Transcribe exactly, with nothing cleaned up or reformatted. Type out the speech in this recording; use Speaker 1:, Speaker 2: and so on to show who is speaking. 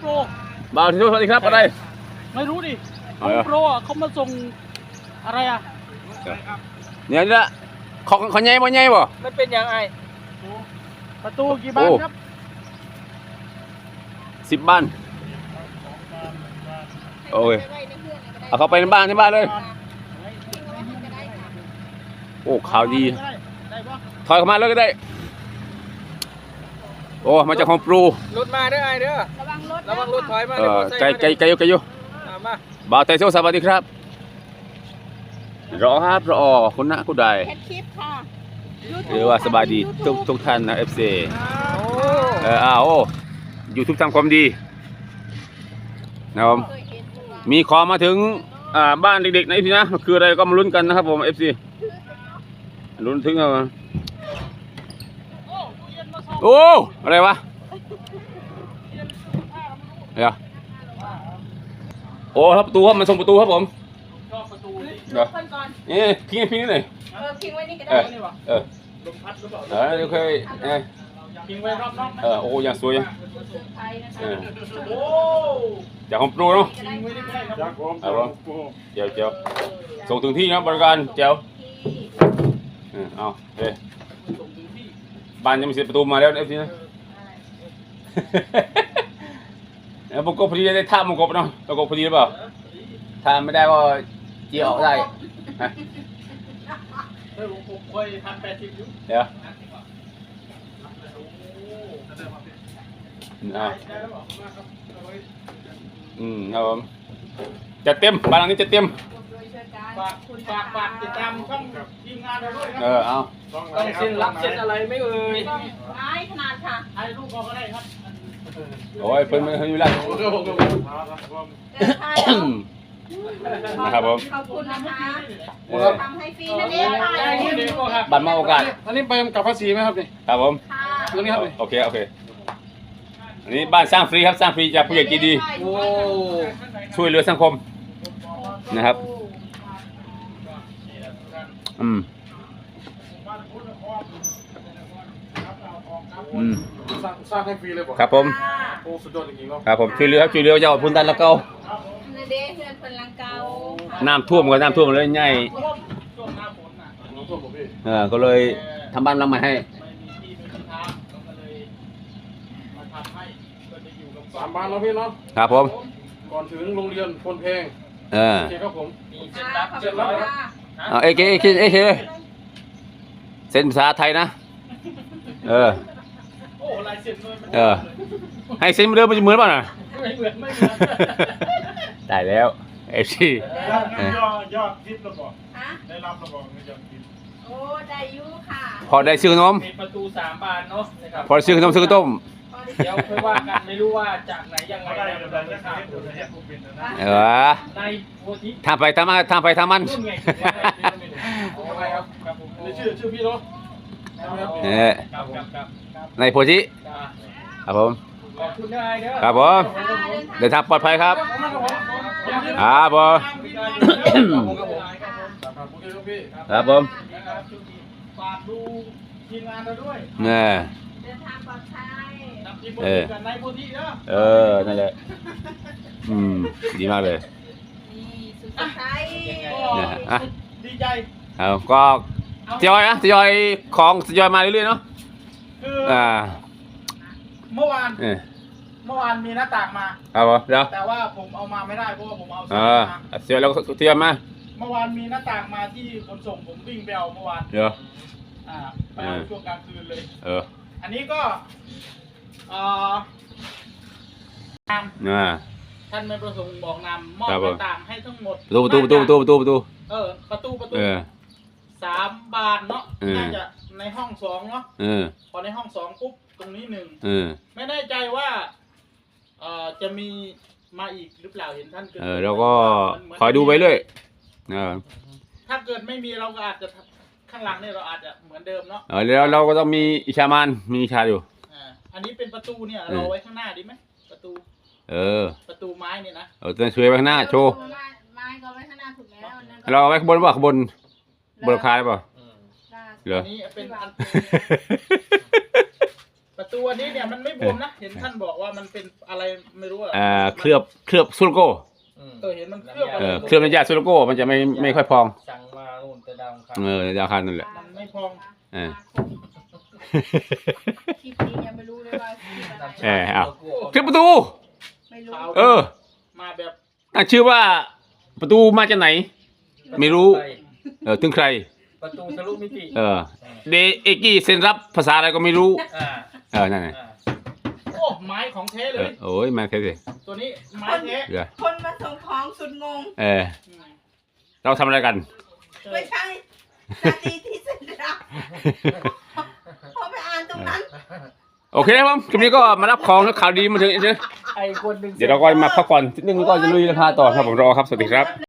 Speaker 1: โปร
Speaker 2: บ่าวที่สวัสดีครับอะไร
Speaker 1: ไม่รู้ดิโฮมโปรอ่ะเขามาส่งอะไรอ่ะ
Speaker 2: เนี่ยนี่ละของของใหญ่บ่ใหญ่บ่
Speaker 1: ไม่เป็นยังไงประตูกี่บานครับ
Speaker 2: สิบบ้านโอ้ยเอาเข้าไปในบ้านที่บ้านเลยโอ้ข่าวดีถอยเข้ามาเลยก็ได้โอ้มาจากของปรู
Speaker 1: รถมาเด้อไอเด้อระวังรถระวังรถถอยมา
Speaker 2: เออไกลไกลไกลอยู่ไกลอยู่บ่าวไทยโซสวัสดีครับรอครับรอคุณนะคุณใดคลิปค่ะหรือว่าสบายดีทุกทุกท่านนะ เอฟ ซี เอออ้าวยูทูบทำความดีนะครับมีขอมาถึงอ่าบ้านเด็กๆนะพี่นะคืออะไรก็มาลุ้นกันนะครับผม เอฟ ซี ลุ้นถึงเอาโอ้อะไรวะเดี๋ยวโอ้ครับประตูครับมันส่งประตูครับผมเดี๋ยวนี่พิงพิงนี่เลย
Speaker 3: เออพิงไว้นี่ก็ได้
Speaker 2: เออลมพัดหรือเปล่าเออโอเคเออ
Speaker 1: พิงไว้รอบนอก
Speaker 2: เออโอ้ยังสวยยังจากของปรูเนาะ
Speaker 1: จากผม
Speaker 2: เจ้าเจ้าส่งถึงที่นะบริการเจ้าเอาเฮ้บ้านยังไม่เสร็จประตูมาแล้วเอฟซีนะแล้วมุกกบพอดีได้ท่ามุกกบเนาะมุกกบพอดีหรือเปล่าถ้าไม่ได้ก็เจียวได้ฮะ
Speaker 1: เฮ้ยผมเคยทำแปดสิบยุ
Speaker 2: เดี๋ยวอ่าอืมครับผมจะเต็มบ้านหลังนี้จะเต็ม
Speaker 1: ฝากฝากฝากติดตามช่องทีมงานเราด้วยครับ
Speaker 2: เออเอา
Speaker 1: ต้องเซ็นรับเซ็นอะไรไม่เอ่ย
Speaker 3: ไม้ขนาดค่ะ
Speaker 1: ไอ้ลูกก็ได้ครับ
Speaker 2: โอ้ยเพิ่นไม่อยู่แล้วนะครับผม
Speaker 3: ขอบคุณนะคะทำให้ฟรีนั่นเอง
Speaker 2: บัตรมาโอกาส
Speaker 1: อันนี้ไปกับภาษีไหมครับนี่
Speaker 2: ครับผม
Speaker 1: ตรงนี้ครับ
Speaker 2: โอเคโอเคอันนี้บ้านสร้างฟรีครับสร้างฟรีจากผู้ใหญ่ใจดีช่วยเหลือสังคมนะครับอืมอืม
Speaker 1: สร้างให้ฟรีเลยป่ะ
Speaker 2: ครับผม
Speaker 1: โอ้สุดยอดจริงๆเนาะ
Speaker 2: ครับผมช่วยเหลือช่วยเหลือเจ้าพื้นที่ละเก่าน้ำท่วมก็น้ำท่วมเลยใหญ่เออก็เลยทำบ้านหลังใหม่ให้
Speaker 1: สามบ้านแล้วพี่เนาะ
Speaker 2: ครับผม
Speaker 1: ก่อนถึงโรงเรียนพลเพลง
Speaker 2: เออ
Speaker 1: โอเคครับผมมีเซ็นรับเซ็นรับ
Speaker 2: เอาเอเคเอเคเอเคเลยเซ็นภาษาไทยนะเออ
Speaker 1: โอ้ลายเซ็นเลย
Speaker 2: เออให้เซ็นเดิมมันจะเหมือนป่ะน่ะ
Speaker 1: ไม่เหมือนไม่เหมือน
Speaker 2: ได้แล้วเอฟซี
Speaker 1: ยอดยอดทิประบอกได้รับระบอกไม่ยอดทิป
Speaker 3: โอ้ได้ยุค่ะ
Speaker 2: พอได้ซื้อขนม
Speaker 1: มีประตูสามบานเนาะ
Speaker 2: พอซื้อขนมซื้อต้ม
Speaker 1: เดี๋ยวค่อยว่ากันไม่รู้ว่าจากไหนยังไง
Speaker 2: เออทำไปทำมาทำไปทำมัน
Speaker 1: ชื่อชื่อพี่เนาะ
Speaker 2: เนี่ยในโพธิครับผม
Speaker 1: ขอบคุณนายเด้อ
Speaker 2: ครับผมเดินทางปลอดภัยครับครับผมครับผม
Speaker 1: ฝากดูทีมงานเราด้วย
Speaker 2: เนี่ย
Speaker 3: เดินทางปลอดภัย
Speaker 2: เออเออนั่นแหละอืมดีมากเลย
Speaker 3: นี่สุดท้าย
Speaker 2: เนี่ยอ่ะ
Speaker 1: ดีใจ
Speaker 2: เอาก็ทยอยนะทยอยของทยอยมาเรื่อยๆเนาะ
Speaker 1: คืออ่าเมื่อวานเมื่อวานมีหน้าต่างมา
Speaker 2: ครับผมเดี๋ยว
Speaker 1: แต่ว่าผมเอามาไม่ได้เพราะว่าผมเอา
Speaker 2: เออทยอยแล้วทยอยมา
Speaker 1: เมื่อวานมีหน้าต่างมาที่ขนส่งผมวิ่งไปเอาเมื่อวาน
Speaker 2: เดี๋ยว
Speaker 1: อ่าไปเอาช่วงกลางคืนเลย
Speaker 2: เออ
Speaker 1: อันนี้ก็เอ่อ
Speaker 2: น่า
Speaker 1: ท่านไม่ประสงค์บอกนำมอบหน้าต่างให้ทั้งหมด
Speaker 2: ประตูประตูประตูประตูประตู
Speaker 1: เออประตูประตูสามบานเนาะน่าจะในห้องสองเนาะพอในห้องสองปุ๊บตรงนี้หนึ่งไม่แน่ใจว่าเอ่อจะมีมาอีกหรือเปล่าเห็นท่านเกิด
Speaker 2: เออเราก็คอยดูไปเรื่อย
Speaker 1: ถ้าเกิดไม่มีเราก็อาจจะข้างหลังเนี่ยเราอาจจะเหมือนเดิมเนาะ
Speaker 2: เออแล้วเราก็ต้องมีอิชามานมีอิชาอยู่
Speaker 1: อ่าอันนี้เป็นประตูเนี่ยเราไว้ข้างหน้าดีไหมประตู
Speaker 2: เออ
Speaker 1: ประตูไม้เนี่ยนะ
Speaker 2: เออจะช่วยไว้ข้างหน้าโชว์
Speaker 3: ไม้ก็ไว้ข้างหน้าถูกแล้ว
Speaker 2: เราไว้ข้างบนป่ะข้างบนบนคาได้ป่ะ
Speaker 1: เหรออันนี้เป็นประตูอันนี้เนี่ยมันไม่บวมนะเห็นท่านบอกว่ามันเป็นอะไรไม่รู้อะ
Speaker 2: อ่าเคลือบเคลือบซูโลโก้
Speaker 1: เออเห็นมันเคลือบอะ
Speaker 2: เอ
Speaker 1: ไร
Speaker 2: อเคลือบน้ำยาซูโลโก้มันจะไม่ไม่ค่อยพอง
Speaker 4: สั่งมานู่นแต่ดาวครับ
Speaker 2: เออดาวคันนั่นแหละ
Speaker 1: มันไม่พอง
Speaker 2: เออ
Speaker 3: คลิปนี้ยังไม่รู้เลยว่าคลิปอะไร
Speaker 2: เออเอาเคลือบประตู
Speaker 3: ไม่รู้
Speaker 2: เออ
Speaker 1: มาแบบ
Speaker 2: ตั้งชื่อว่าประตูมาจากไหน ไม่รู้ เออถึงใคร
Speaker 4: ประตูทะลุมิติ
Speaker 2: เออเดเอกี้เซ็นรับภาษาอะไรก็ไม่รู้
Speaker 4: อ่า
Speaker 2: เออนั่นไง
Speaker 4: อ่า
Speaker 1: โอ้ไม้ของแท้
Speaker 2: เอ
Speaker 1: เล
Speaker 2: อย โอ้ยมาเท่เลย
Speaker 1: ตัวนี้ไม้แท้
Speaker 2: เดี๋ยว
Speaker 3: คนมาส่งของสุดงง
Speaker 2: เออเราทำอะไรกัน
Speaker 3: ไม่ใช่สตีที่เซ็นรับพอไปอ่านตรงนั้น
Speaker 2: โอเคครับผมคลิปนี้ก็มารับของแล้วข่าวดีมาถึงเดี๋ยว
Speaker 4: ไอ้คนหนึ่ง
Speaker 2: เดี๋ยวเราก็มาพักผ่อนนิดนึงแล้วก็จะลุยราคาต่อครับผมรอครับสวัสดีครับ